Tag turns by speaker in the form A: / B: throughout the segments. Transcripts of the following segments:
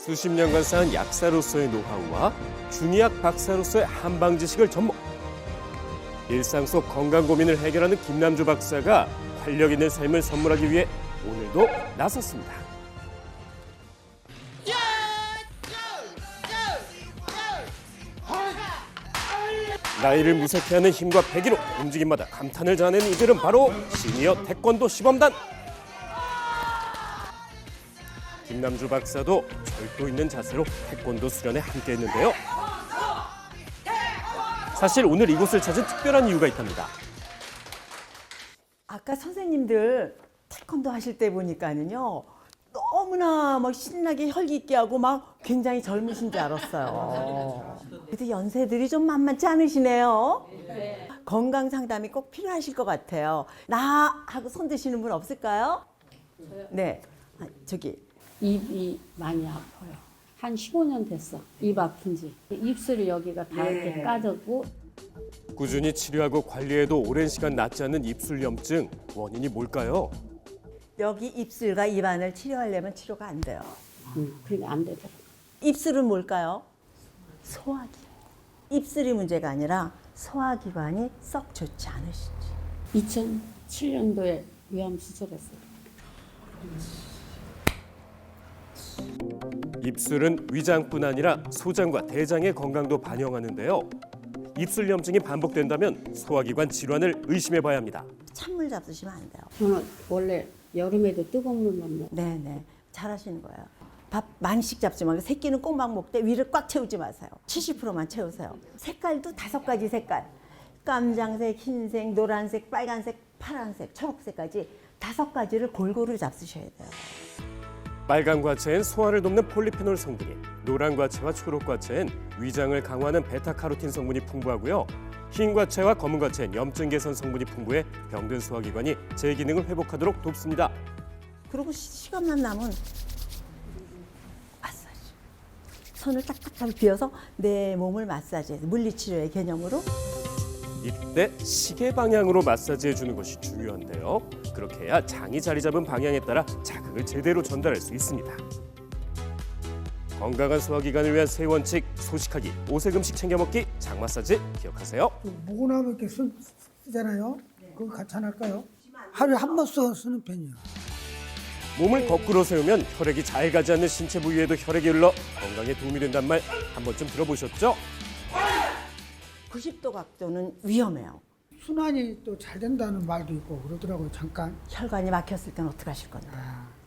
A: 수십 년간 쌓은 약사로서의 노하우와 중의학 박사로서의 한방 지식을 접목. 일상 속 건강 고민을 해결하는 김남주 박사가 활력 있는 삶을 선물하기 위해 오늘도 나섰습니다. 나이를 무색해 하는 힘과 패기로 움직임마다 감탄을 자아내는 이들은 바로 시니어 태권도 시범단. 김남주 박사도 절도 있는 자세로 태권도 수련에 함께했는데요. 사실 오늘 이곳을 찾은 특별한 이유가 있답니다.
B: 아까 선생님들 태권도 하실 때 보니까는요, 너무나 막 신나게 혈기 있게 하고 막 굉장히 젊으신 줄 알았어요. 근데 연세들이 좀 만만치 않으시네요. 건강 상담이 꼭 필요하실 것 같아요. 나 하고 손 드시는 분 없을까요? 네, 저기.
C: 입이 많이 아파요. 한 15년 됐어. 입 아픈 지. 입술이 여기가 다 이렇게 까졌고.
A: 꾸준히 치료하고 관리해도 오랜 시간 낫지 않는 입술염증, 원인이 뭘까요?
B: 여기 입술과 입안을 치료하려면 치료가 안 돼요.
C: 그게 안 되더라고.
B: 입술은 뭘까요? 소화기. 입술이 문제가 아니라 소화기관이 썩 좋지 않으시지.
C: 2007년도에 위암 수술했어요.
A: 입술은 위장뿐 아니라 소장과 대장의 건강도 반영하는데요. 입술염증이 반복된다면 소화기관 질환을 의심해봐야 합니다.
B: 찬물 잡수시면 안 돼요.
C: 저는 원래 여름에도 뜨거운 물만 먹어.
B: 네네, 잘하시는 거예요. 밥 많이씩 잡지 말고 새끼는 꼬막 먹되 위를 꽉 채우지 마세요. 70%만 채우세요. 색깔도 5가지 색깔. 깜장색, 흰색, 노란색, 빨간색, 파란색, 초록색까지 5가지를 골고루 잡수셔야 돼요.
A: 빨간 과채엔 소화를 돕는 폴리페놀 성분이, 노란 과채와 초록 과채엔 위장을 강화하는 베타카로틴 성분이 풍부하고요. 흰 과채와 검은 과채엔 염증 개선 성분이 풍부해 병든 소화기관이 제 기능을 회복하도록 돕습니다.
B: 그리고 시간만 남은 마사지. 손을 딱딱하게 비워서 내 몸을 마사지해서 물리치료의 개념으로.
A: 이때 시계 방향으로 마사지해 주는 것이 중요한데요. 그렇게 해야 장이 자리 잡은 방향에 따라 자극을 제대로 전달할 수 있습니다. 건강한 소화기관을 위한 세 원칙, 소식하기, 오색 음식 챙겨 먹기, 장 마사지 기억하세요.
D: 모근하고 이렇게 쓰잖아요. 그거 같이 안 할까요? 하루에 한 번 쓰는 편이에요.
A: 몸을 거꾸로 세우면 혈액이 잘 가지 않는 신체 부위에도 혈액이 흘러 건강에 도움이 된다는 말 한 번쯤 들어보셨죠?
B: 90도 각도는 위험해요.
D: 순환이 또 잘 된다는 말도 있고 그러더라고요. 잠깐.
B: 혈관이 막혔을 때는 어떻게 하실 건데?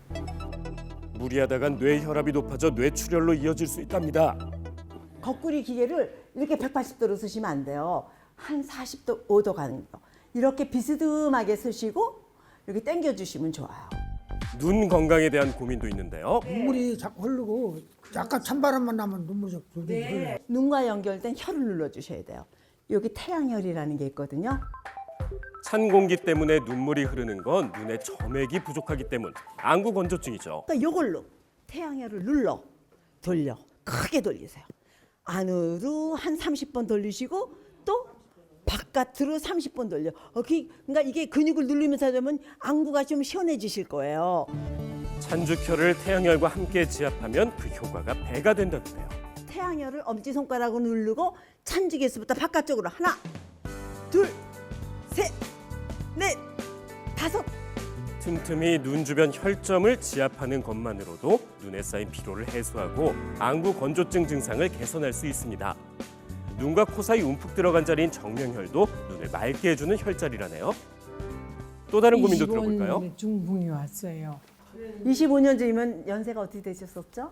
A: 무리하다간 뇌혈압이 높아져 뇌출혈로 이어질 수 있답니다.
B: 거꾸리 기계를 이렇게 180도로 쓰시면 안 돼요. 한 40도, 5도 가는 거. 이렇게 비스듬하게 쓰시고 이렇게 당겨주시면 좋아요.
A: 눈 건강에 대한 고민도 있는데요.
D: 눈물이 자꾸 흐르고 약간 찬바람만 나면 눈물이 자꾸 흘러요.
B: 눈과 연결된 혈을 눌러주셔야 돼요. 여기 태양혈이라는 게 있거든요.
A: 찬 공기 때문에 눈물이 흐르는 건 눈의 점액이 부족하기 때문, 안구 건조증이죠.
B: 그러니까 이걸로 태양혈을 돌려 크게 돌리세요. 안으로 한 30번 돌리시고 또 바깥으로 30번 돌려. 그러니까 이게 근육을 누르면서 하면 안구가 좀 시원해지실 거예요.
A: 찬죽혈을 태양혈과 함께 지압하면 그 효과가 배가 된다는데요.
B: 태양혈을 엄지손가락으로 누르고 찬죽에서부터 바깥쪽으로 하나, 둘, 셋, 넷, 5.
A: 틈틈이 눈 주변 혈점을 지압하는 것만으로도 눈에 쌓인 피로를 해소하고 안구 건조증 증상을 개선할 수 있습니다. 눈과 코 사이 움푹 들어간 자리인 정명혈도 눈을 맑게 해주는 혈자리라네요. 또 다른 고민도 들어볼까요?
E: 25년에 중풍이 왔어요.
B: 25년 전이면 연세가 어떻게 되셨었죠?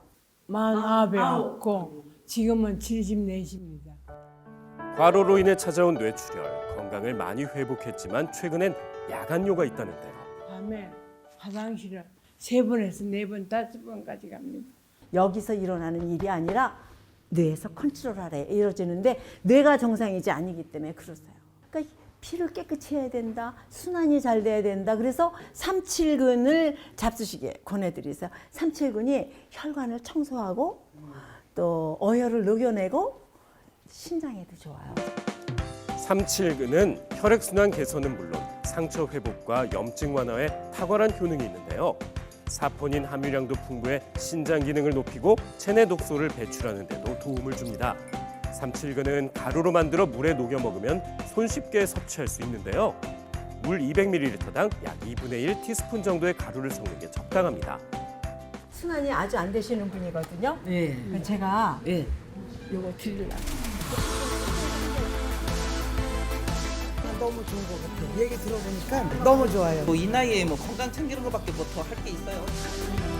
E: 49이었고 지금은 74입니다.
A: 과로로 인해 찾아온 뇌출혈, 건강을 많이 회복했지만 최근엔 야간요가 있다는데요.
E: 밤에 화장실을 3번에서 4번, 5번까지 갑니다.
B: 여기서 일어나는 일이 아니라 뇌에서 컨트롤하래 이루어지는데 뇌가 정상이지 아니기 때문에 그러세요. 그러니까 피를 깨끗이 해야 된다. 순환이 잘 돼야 된다. 그래서 3,7근을 잡수시게 권해드리세요. 3,7근이 혈관을 청소하고 또 어혈을 녹여내고 신장에도 좋아요.
A: 3,7근은 혈액순환 개선은 물론 상처 회복과 염증 완화에 탁월한 효능이 있는데요. 사포닌 함유량도 풍부해 신장 기능을 높이고 체내 독소를 배출하는 데도 도움을 줍니다. 삼칠근은 가루로 만들어 물에 녹여 먹으면 손쉽게 섭취할 수 있는데요. 물 200ml당 약 2분의 1 티스푼 정도의 가루를 섞는 게 적당합니다.
B: 순환이 아주 안 되시는 분이거든요.
F: 예.
B: 그래서 제가
F: 예.
B: 요거 드리려고.
F: 너무 좋은 것 같아요. 얘기 들어보니까 너무 좋아요.
G: 뭐 이 나이에 뭐 건강 챙기는 것밖에 뭐 더 할 게 있어요.